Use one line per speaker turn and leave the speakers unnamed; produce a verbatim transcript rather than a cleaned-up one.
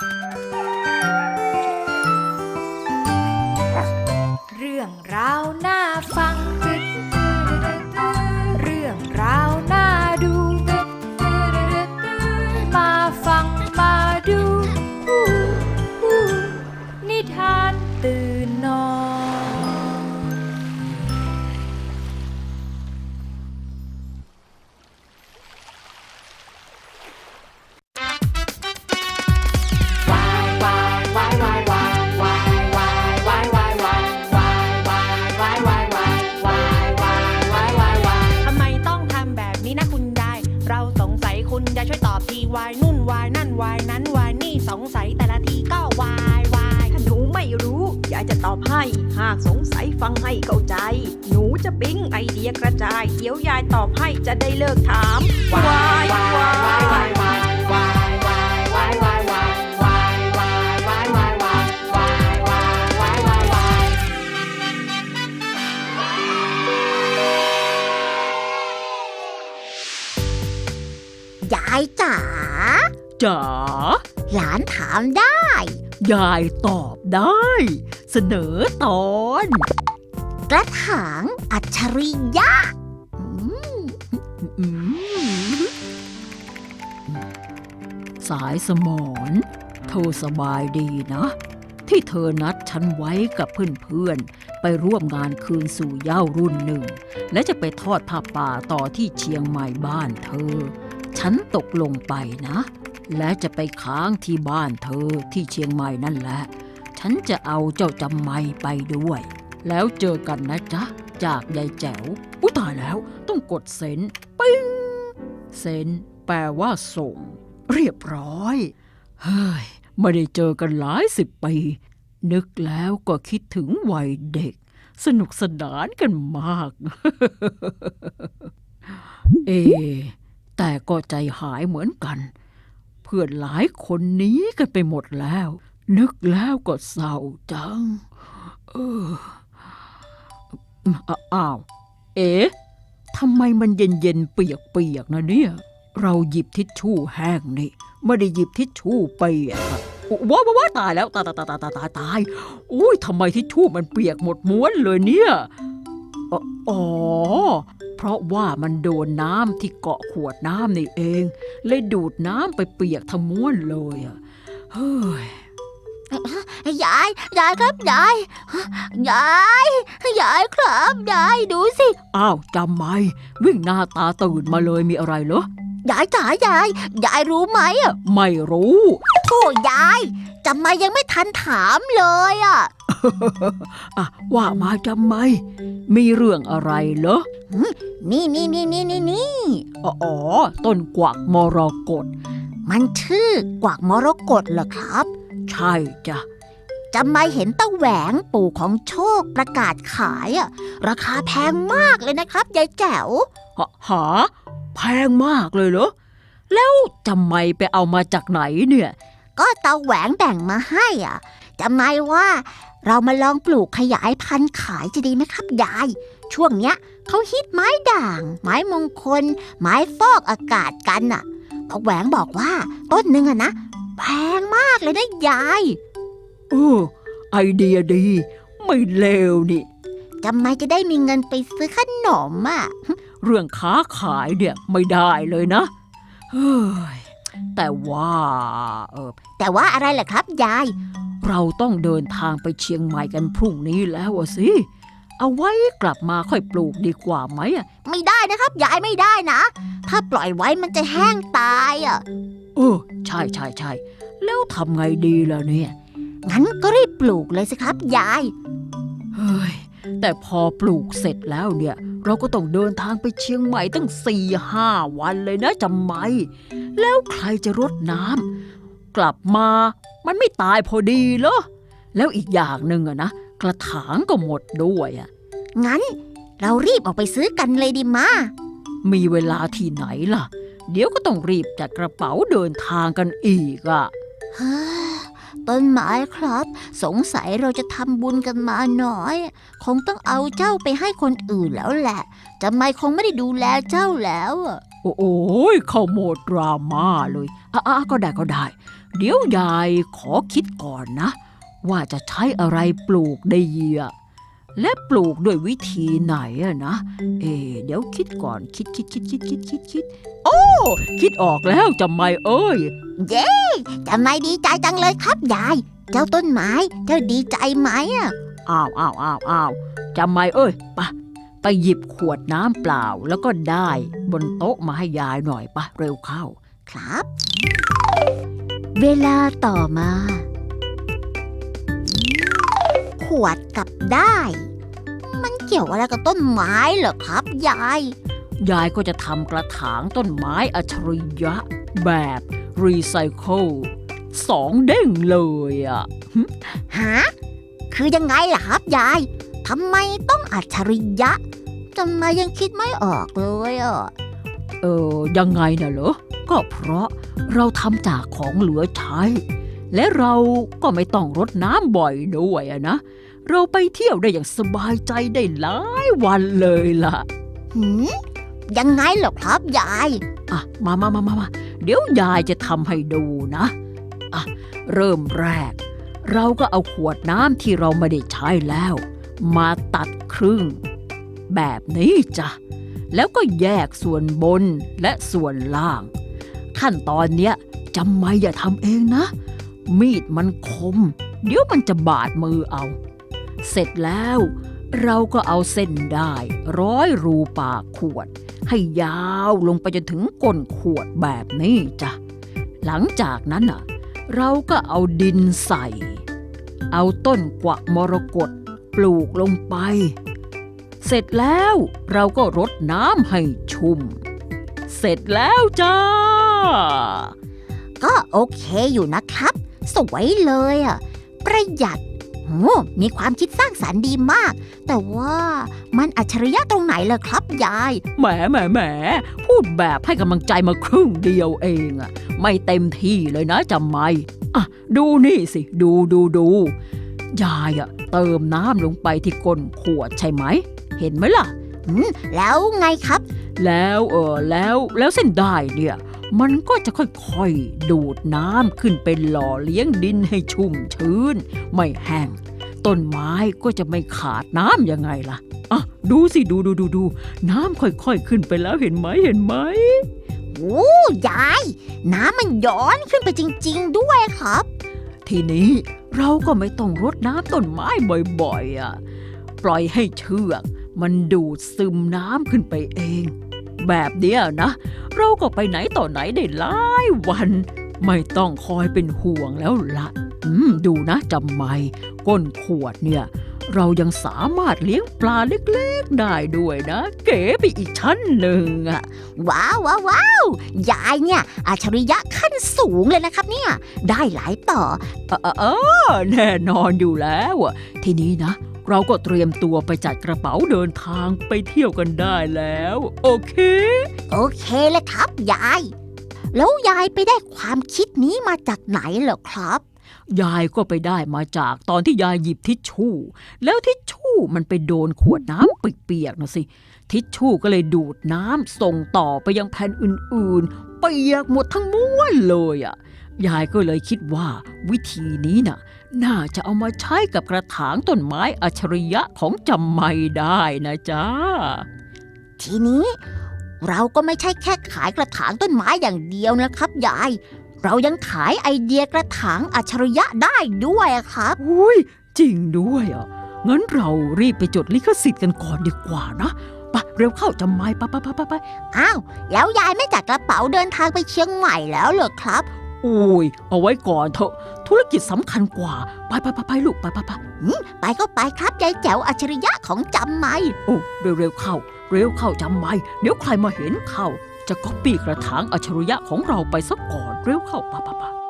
เรื่องราวน่าฟังเรื่องราวน่าดูมาฟังมาดูนิทานตื่นนอน
คุณยายช่วยตอบทีวายนุ่นวายนั่นวายนั้นวายนี่สงสัยแต่ละทีก็วายวาย
ถ้าหนูไม่รู้ยายจะตอบให้หากสงสัยฟังให้เข้าใจหนูจะปิ๊งไอเดียกระจายเดี๋ยวยายตอบให้จะได้เลิกถามวายวายวายวายวายวายวายวายวายวายวายวายวายวายวายวายวายวา
วยายจ๋า
จ๋า
หลานถามได้
ยายตอบได้ เสนอตอน
กระถางอัจฉริยะ
สายสมรเธอสบายดีนะที่เธอนัดฉันไว้กับเพื่อนๆไปร่วมงานคืนสู่เหย้ารุ่นหนึ่งและจะไปทอดผ้าป่าต่อที่เชียงใหม่บ้านเธอฉันตกลงไปนะและจะไปค้างที่บ้านเธอที่เชียงใหม่นั่นแหละฉันจะเอาเจ้าจำไม่ไปด้วยแล้วเจอกันนะจ๊ะจากยายแจ๋วอุ๊ยตายแล้วต้องกดเซ็นปิ้งเซ็นแปลว่าส่งเรียบร้อยเฮ้ยไม่ได้เจอกันหลายสิบปีนึกแล้วก็คิดถึงวัยเด็กสนุกสนานกันมาก เอแต่ก็ใจหายเหมือนกันเพื่อนหลายคนหนีกันไปหมดแล้วนึกแล้วก็เศร้าจังเอออ้าวเอ๊ะทำไมมันเย็นๆเปียกๆนะเนี่ยเราหยิบทิชชู่แห้งนี่ไม่ได้หยิบทิชชู่เปียกว้าวว้าตายแล้วตายตายตายตายตายตายอุ้ยทำไมทิชชู่มันเปียกหมดม้วนเลยเนี่ยอ๋อเพราะว่ามันโดนน้ำที่เกาะขวดน้ำนี่เองเลยดูดน้ำไปเปียกทั้งม้วนเลยอ่ะเฮ้ย
ยายยายครับยายยายยายครับยายดูสิ
อ้าวจำไหมวิ่งหน้าตาตื่นมาเลยมีอะไรเหรอย
ายจ๋ายายยายรู้ไหมอ่ะ
ไม่รู้
โธ่ยายจำไม่ยังไม่ทันถามเลยอ่ะ
อ่ะว่ามาจำไหมมีเรื่องอะไรเหรอ
นี่นี่นี่นี่นี่นี่
อ๋อต้นกวักมรกต
มันชื่อกวักมรกตเหรอครับ
ใช่จ้ะ
จำไม่เห็นตาแหวงปู่ของโชคประกาศขายอ่ะราคาแพงมากเลยนะครับยายแจ๋ว
หาแพงมากเลยเหรอแล้วจำไม่ไปเอามาจากไหนเนี่ย
ก็ตาแหวงแบ่งมาให้อ่ะจำไม่ว่าเรามาลองปลูกขยายพันธุ์ขายจะดีไหมครับยายช่วงเนี้ยเขาฮิตไม้ด่างไม้มงคลไม้ฟอกอากาศกันอ่ะตาแหวงบอกว่าต้นหนึ่งอ่ะนะแพงมากเลยนะยาย
เออไอเดียดีไม่เลวนี่
จำไม่จะได้มีเงินไปซื้อขนมอ่ะ
เรื่องค้าขายเนี่ยไม่ได้เลยนะเฮ้ยแต่ว่าเออ
แต่ว่าอะไรล่ะครับยาย
เราต้องเดินทางไปเชียงใหม่กันพรุ่งนี้แล้วสิเอาไว้กลับมาค่อยปลูกดีกว่าไหมอ่ะ
ไม่ได้นะครับยายไม่ได้นะถ้าปล่อยไว้มันจะแห้งตายอ่ะ
เออใช่ใช่ใช่แล้วทำไงดีล่ะเนี่ย
งั้นก็รีบปลูกเลยสิครับยาย
เฮ้ยแต่พอปลูกเสร็จแล้วเนี่ยเราก็ต้องเดินทางไปเชียงใหม่ตั้งสี่ห้าวันเลยนะจำไหมแล้วใครจะรดน้ำกลับมามันไม่ตายพอดีเหรอแล้วอีกอย่างหนึ่งอะนะกระถางก็หมดด้วยอะ
งั้นเรารีบออกไปซื้อกันเลยดีมา
มีเวลาที่ไหนล่ะเดี๋ยวก็ต้องรีบจัดกระเป๋าเดินทางกันอีกอะ
ต้นไม้ครับสงสัยเราจะทำบุญกันมาน้อยคงต้องเอาเจ้าไปให้คนอื่นแล้วแหละจำไม่คงไม่ได้ดูแลเจ้าแล้ว
โอ้โหเข้าโหมดดราม่าเลยอ่ะก็ได้ก็ได้เดี๋ยวยายขอคิดก่อนนะ ว่าจะใช้อะไรปลูกได้เยอะและปลูกด้วยวิธีไหนอะนะ เอ๊ะเดี๋ยวคิดก่อนคิดคิดคิดคิดคิดคิดคิดโอ้คิดออกแล้วจำไม่เอ้ย
เย้จำไม่ดีใจจังเลยครับยาย เจ้าต้นไม้เจ้าดีใจไหมอ่ะ
อ้าวอ้าวอ้าวอ้าวจำไม่เอ้ยไปะไปหยิบขวดน้ำเปล่าแล้วก็ได้บนโต๊ะมาให้ยายหน่อยปะเร็วเข้า
ครับ เวลาต่อมา ขวดกับได้ มันเกี่ยวอะไรกับต้นไม้เหรอครับยาย
ยายก็จะทำกระถางต้นไม้อัจฉริยะแบบรีไซเคิลสองเด้งเลยอ่ะ
ฮะ คือยังไงล่ะครับยายทำไมต้องอัจฉริยะทำไมยังคิดไม่ออกเลยอ่ะ
เออยังไงน่ะเหรอ ก็เพราะเราทำจากของเหลือใช้ และเราก็ไม่ต้องรดน้ำบ่อยด้วยอะนะ เราไปเที่ยวได้อย่างสบายใจได้หลายวันเลยล่ะ
หืมยังไงเหรอครับยาย
อ่ะมามามามามาเดี๋ยวยายจะทำให้ดูนะอ่ะเริ่มแรก เราก็เอาขวดน้ำที่เราไม่ได้ใช้แล้ว มาตัดครึ่ง แบบนี้จ้ะแล้วก็แยกส่วนบนและส่วนล่าง ขั้นตอนเนี้ยจำไม่อย่าทำเองนะ มีดมันคม เดี๋ยวมันจะบาดมือเอา เสร็จแล้วเราก็เอาเส้นได้ร้อยรูปากขวดให้ยาวลงไปจนถึงก้นขวดแบบนี้จ้ะหลังจากนั้นอ่ะเราก็เอาดินใส่เอาต้นกวักมรกตปลูกลงไปเสร็จแล้วเราก็รดน้ำให้ชุ่มเสร็จแล้วจ้า
ก็โอเคอยู่นะครับ สวยเลยอ่ะ ประหยัดโอ้มีความคิดสร้างสรรค์ดีมาก แต่ว่ามันอัจฉริยะตรงไหนล่ะครับยาย
แหมแหมแหมพูดแบบให้กำลังใจมาครึ่งเดียวเองอะไม่เต็มที่เลยนะจำไม่อ่ะดูนี่สิดูดูดูยายอะเติมน้ำลงไปที่ก้นขวดใช่ไหมเห็นไหมล่ะ
อืมแล้วไงครับ
แล้วเออแล้วแล้วเส้นได้เนี่ยมันก็จะค่อยๆดูดน้ำขึ้นไปหล่อเลี้ยงดินให้ชุ่มชื้นไม่แห้งต้นไม้ก็จะไม่ขาดน้ำยังไงล่ะอ่ะดูสิดูดูดูดูน้ำค่อยๆขึ้นไปแล้วเห็นไหมเห็นไหม
โอ้ยาย น้ำมันย้อนขึ้นไปจริงๆด้วยครับ
ทีนี้เราก็ไม่ต้องรดน้ำต้นไม้บ่อยๆอ่ะปล่อยให้เชือกมันดูดซึมน้ำขึ้นไปเองแบบเนี้ยนะเราก็ไปไหนต่อไหนได้หลายวันไม่ต้องคอยเป็นห่วงแล้วละอืมดูนะจำไม่ก้นขวดเนี่ยเรายังสามารถเลี้ยงปลาเล็กๆได้ด้วยนะเก๋ไปอีกชั้นหนึ่งอ่ะ
ว้าวว้าวว้าวยายเนี่ยอัจฉริยะขั้นสูงเลยนะครับเนี่ยได้หลายต่อ
เออเออเออแน่นอนอยู่แล้วอ่ะทีนี้นะเราก็เตรียมตัวไปจัดกระเป๋าเดินทางไปเที่ยวกันได้แล้วโอเค
โอเคเลยครับยาย แล้วยายไปได้ความคิดนี้มาจากไหนเหรอครับ
ยายก็ไปได้มาจากตอนที่ยายหยิบทิชชู่แล้วทิชชู่มันไปโดนขวดน้ำเปียกๆนะสิทิชชู่ก็เลยดูดน้ำส่งต่อไปยังแผ่นอื่นๆเปียกหมดทั้งม้วนเลยอ่ะยายก็เลยคิดว่าวิธีนี้น่ะน่าจะเอามาใช้กับกระถางต้นไม้อัจฉริยะของจำไม่ได้นะจ๊ะ
ทีนี้เราก็ไม่ใช่แค่ขายกระถางต้นไม้อย่างเดียวนะครับยาย เรายังขายไอเดียกระถางอัจฉริยะได้ด้วยอะครับ
อุ้ยจริงด้วยอ่ะงั้นเรารีบไปจดลิขสิทธิ์กันก่อนดีกว่านะไปเร็วเข้าจำไม่ไปไปไปไป
อ้าวแล้วยายไม่จัดกระเป๋าเดินทางไปเชียงใหม่แล้วเหรอครับ
โอ้ยเอาไว้ก่อนเถอะธุรกิจสำคัญกว่าไปไปไปไปลูกไปไปไป
ไปก็ไปครับยายแจ๋วอัจฉริยะของจำไม่
โอ้เร็วเร็วเข้าเร็วเข้าจำไม่เดี๋ยวใครมาเห็นเข้าจะก๊อปปี้กระถางอัจฉริยะของเราไปซะก่อนเร็วเข้าไปไปไป